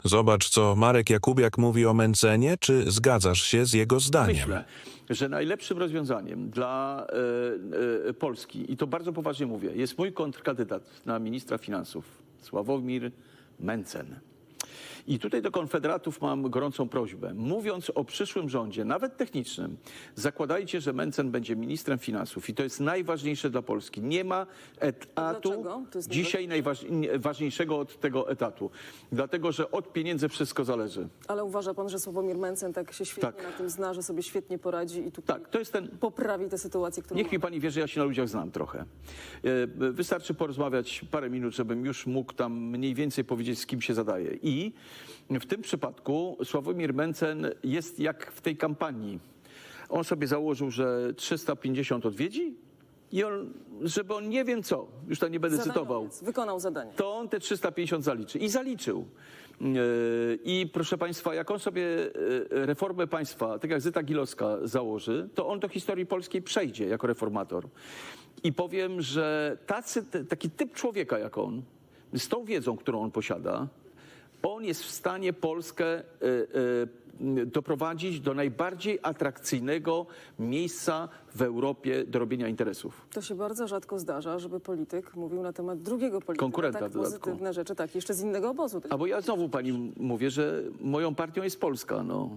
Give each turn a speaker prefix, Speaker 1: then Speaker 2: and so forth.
Speaker 1: Zobacz, co Marek Jakubiak mówi o Mentzenie, czy zgadzasz się z jego zdaniem?
Speaker 2: Myślę, że najlepszym rozwiązaniem dla Polski, i to bardzo poważnie mówię, jest mój kontrkandydat na ministra finansów, Sławomir Mentzen. I tutaj do konfederatów mam gorącą prośbę. Mówiąc o przyszłym rządzie, nawet technicznym, zakładajcie, że Mentzen będzie ministrem finansów. I to jest najważniejsze dla Polski. Nie ma etatu
Speaker 3: Dlaczego? To jest
Speaker 2: dzisiaj najważniejszego od tego etatu. Dlatego, że od pieniędzy wszystko zależy.
Speaker 3: Ale uważa pan, że Sławomir Mentzen tak się świetnie
Speaker 2: Tak.
Speaker 3: na tym zna, że sobie świetnie poradzi i tutaj
Speaker 2: Tak, to jest ten...
Speaker 3: poprawi tę sytuację, którą
Speaker 2: Niech mi
Speaker 3: mamy?
Speaker 2: pani wie, że ja się na ludziach znam trochę. Wystarczy porozmawiać parę minut, żebym już mógł tam mniej więcej powiedzieć, z kim się zadaje. I w tym przypadku Sławomir Mentzen jest jak w tej kampanii. On sobie założył, że 350 odwiedzi i on, żeby on nie wiem co, już tam nie będę cytował,
Speaker 3: Zadaniowiec. Wykonał zadanie.
Speaker 2: to on te 350 zaliczy. I zaliczył. I proszę państwa, jak on sobie reformę państwa, tak jak Zyta Gilowska założy, to on do historii polskiej przejdzie jako reformator. I powiem, że taki typ człowieka jak on, z tą wiedzą, którą on posiada, on jest w stanie Polskę doprowadzić do najbardziej atrakcyjnego miejsca w Europie do robienia interesów.
Speaker 3: To się bardzo rzadko zdarza, żeby polityk mówił na temat drugiego polityka
Speaker 2: Konkurenta
Speaker 3: tak
Speaker 2: w dodatku.
Speaker 3: pozytywne rzeczy, tak, jeszcze z innego obozu.
Speaker 2: A bo ja znowu pani mówię, że moją partią jest Polska, no.